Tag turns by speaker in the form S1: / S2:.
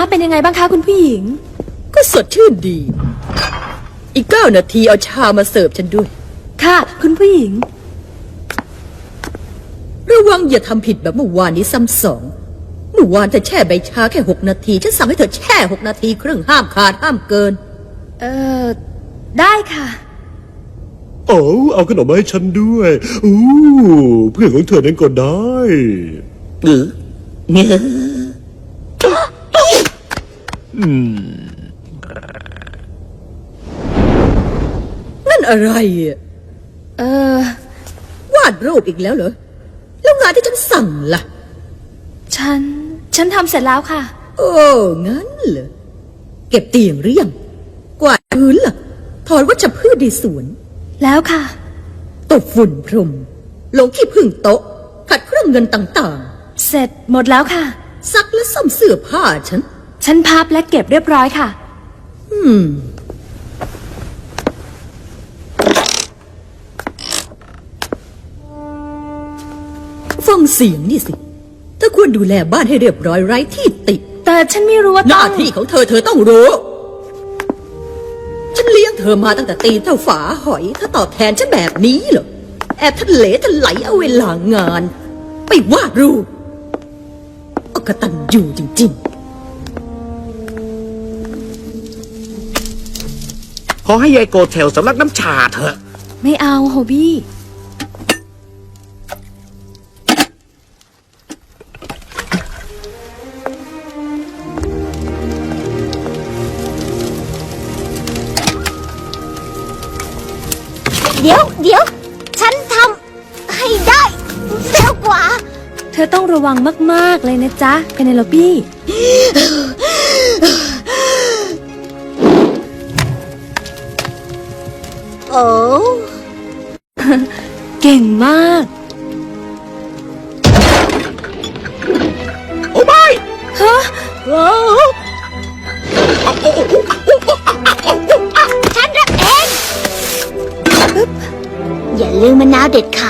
S1: เป็นยังไงบ้างคะคุณผู้หญิง
S2: ก็สดชื่นดีอีก9 นาทีเอาชามาเสิร์ฟฉันด้วย
S1: ค่ะคุณผู้หญิง
S2: ระวังอย่าทำผิดแบบเมื่อวานนี้ซ้ำสองเมื่อวานเธอแช่ใบชาแค่6 นาทีฉันสั่งให้เธอแช่6 นาทีครึ่งห้ามขาดห้ามเกิน
S1: ได้ค่ะ
S3: เอาขนมมาให้ฉันด้วยเพื่อนของเธอนั้นก็ได้
S2: นั่นอะไรวาดรูปอีกแล้วเหรอแล้วงานที่ฉันสั่งล่ะ
S1: ฉันทำเสร็จแล้วค่ะ
S2: โอ้งั้นเหรอเก็บเตียงหรือยังกวาดพื้นล่ะถอนวัชพืชในสวน
S1: แล้วค่ะ
S2: ตบฝุ่นพรมลงขี้ผึ้งโต๊ะขัดเครื่องเงินต่าง
S1: ๆเสร็จหมดแล้วค่ะ
S2: ซักและซ่อมเสื้อผ้าฉั
S1: นพับและเก็บเรียบร้อยค่ะ
S2: ฟังเสียงนี่สิเธอควรดูแลบ้านให้เรียบร้อยไร้ที่ติ
S1: แต่ฉันไม่รู้ว่า
S2: หน้าที่ของเธอต้องรู้ฉันเลี้ยงเธอมาตั้งแต่ตีนเท่าฝาหอยถ้าตอบแทนฉันแบบนี้เหรอแอบทะเลจะไหลเอาเวลางานไปวาดรูปอกตัญญูจริง
S4: ขอให้ยายโกเทลสำลักน้ำชาเถอะ
S1: ไม่เอาโฮบี้
S5: เดี๋ยวฉันทำให้ได้เร็วกว่า
S1: เธอต้องระวังมากๆเลยนะจ๊ะเพเนโลปี้
S5: โอ้
S1: เก่งมาก
S4: โอ้ไม่
S1: ฮะ
S5: ฉันรับเองอย่าลืมมะนาวเด็ดขาด